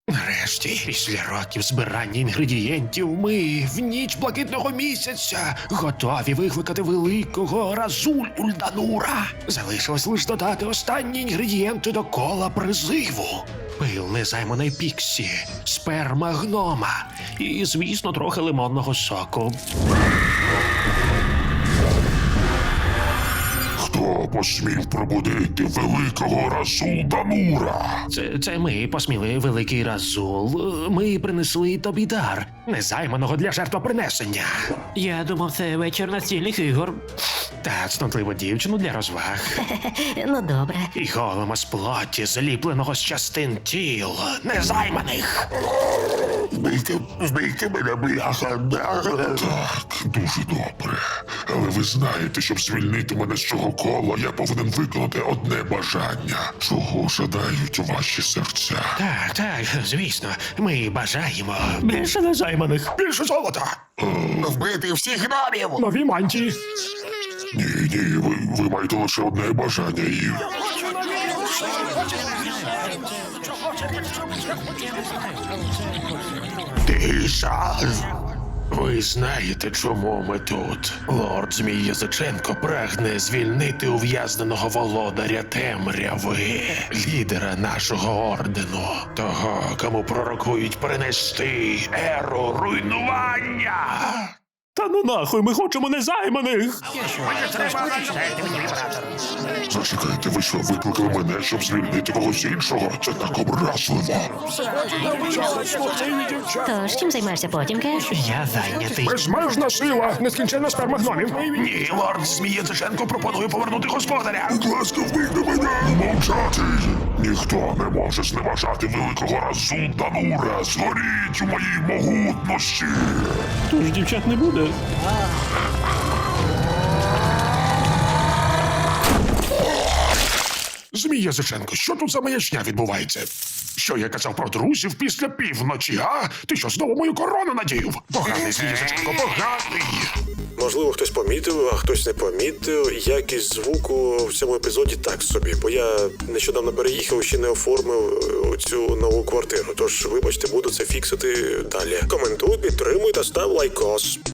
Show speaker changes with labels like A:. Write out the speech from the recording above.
A: Нарешті, після років збирання інгредієнтів, ми в ніч блакитного місяця готові викликати великого Разуль Ульданура. Залишилось лише додати останні інгредієнти до кола призиву. Пил незайманої Піксі, сперма гнома і, звісно, трохи лимонного соку.
B: Хто посмів пробудити великого Расулданура?
A: Це ми посміли, великий Разул. Ми принесли тобі дар, незайманого для жертвопринесення.
C: Я думав, це вечір настільних ігор.
A: Та цнотливу дівчину для розваг.
D: Ну добре.
A: І голема з плоті, зліпленого з частин тіл, незайманих.
B: Вбийте мене, бляха. Так, дуже добре. Але ви знаєте, щоб звільнити мене з цього кола, я повинен виконати одне бажання. Чого жадають ваші серця?
A: Так, звісно, ми бажаємо більше незайманих, більше золота,
E: Вбити всіх гномів!
A: нові мантії.
B: Ні, ви маєте лише одне бажання і...
A: Тиша! Ви знаєте, чому ми тут? Лорд Змій Язиченко прагне звільнити ув'язненого володаря темряви, лідера нашого ордену, того, кому пророкують принести еру руйнування. Та ну нахуй, ми хочемо незайманих!
B: Зачекайте, ви що, викликали мене, щоб звільнити когось іншого? Це так образливо.
D: Тож, чим займаєшся потімки?
C: Я зайнятий.
A: Безмежна сила, нескінченна сперма гномів. Ні, лорд Змій Язиченко пропонує повернути господаря.
B: Будь ласка, вбийте мене! Мовчати! Ніхто не може зневажати великого Расулданура. Згоріть у моїй могутності!
C: Тож дівчат не буде.
A: Змій Язиченко, що тут за маячня відбувається? Що я казав про друзів після півночі, а? Ти що, знову мою корону надів? Поганий Змій Язиченко, поганий!
F: Можливо, хтось помітив, а хтось не помітив. Якість звуку в цьому епізоді так собі, бо я нещодавно переїхав і ще не оформив цю нову квартиру. Тож, вибачте, буду це фіксити далі. Коментуй, підтримуй та став лайкос.